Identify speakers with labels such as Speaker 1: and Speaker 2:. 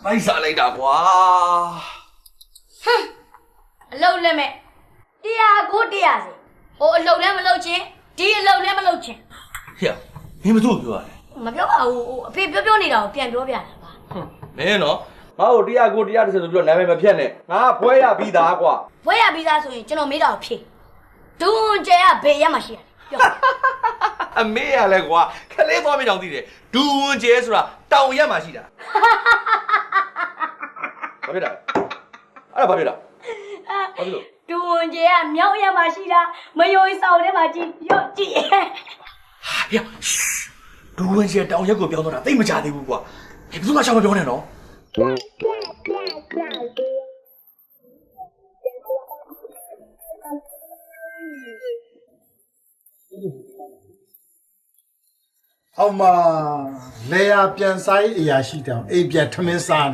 Speaker 1: လိုက်စားလိုက်တာကွာ
Speaker 2: အလုတ်လည်းမဲ့တရားကိုတရားစီဟိုအလုတ်လည်းမလုတ်ချင်းဒီအလုတ်လည်းမလုတ်ချင်း
Speaker 1: ဟေ့မင်းမတို့ပြောရတယ်
Speaker 2: မပြောပါဘူးအဖေပြောနေတာကိုပြန်ပြောပြတာပါ
Speaker 1: မင်းနော်ငါ့ကိုတရားကိုတရားတစ်စက်ဆိုပြီးတော့နာမည်မဖြတ်နဲ့ငါဘွဲရပြီးသားကွာ
Speaker 2: ဘွဲရပြီးသားဆိုရင်ကျွန်တော်မေးတာကိုဖြေဒွန်ကျဲကဘေးရက်မှာရှိရတယ်ပြော
Speaker 1: အမေရလဲကွာခလေးသွားပြီးတောင်သိတယ်ဒူဝန်ကျဲဆိုတာတောင်ရက်မှာရှိတာဘာဖြစ်တာအဲ့ဒါဘာဖြစ်တာဘာဖြစ်လို့
Speaker 2: ဒွန်ကျဲကမြောက်ရက်မှာရှိတာမယိုးဆောင်ထဲမှာကြည့်ရော့ကြည့်
Speaker 1: ဟေ့ဒူဝန်ကျဲတောင်ရက်ကိုပြောင်းတော့တာသိမကြသေးဘူးကွာဘယ်သူမှရှောင်မပြောနဲ့နော်
Speaker 3: ဟောမှာလေယာပြန်စားရေးအရာရှိတောင်အိမ်ပြန်ထမင်းစား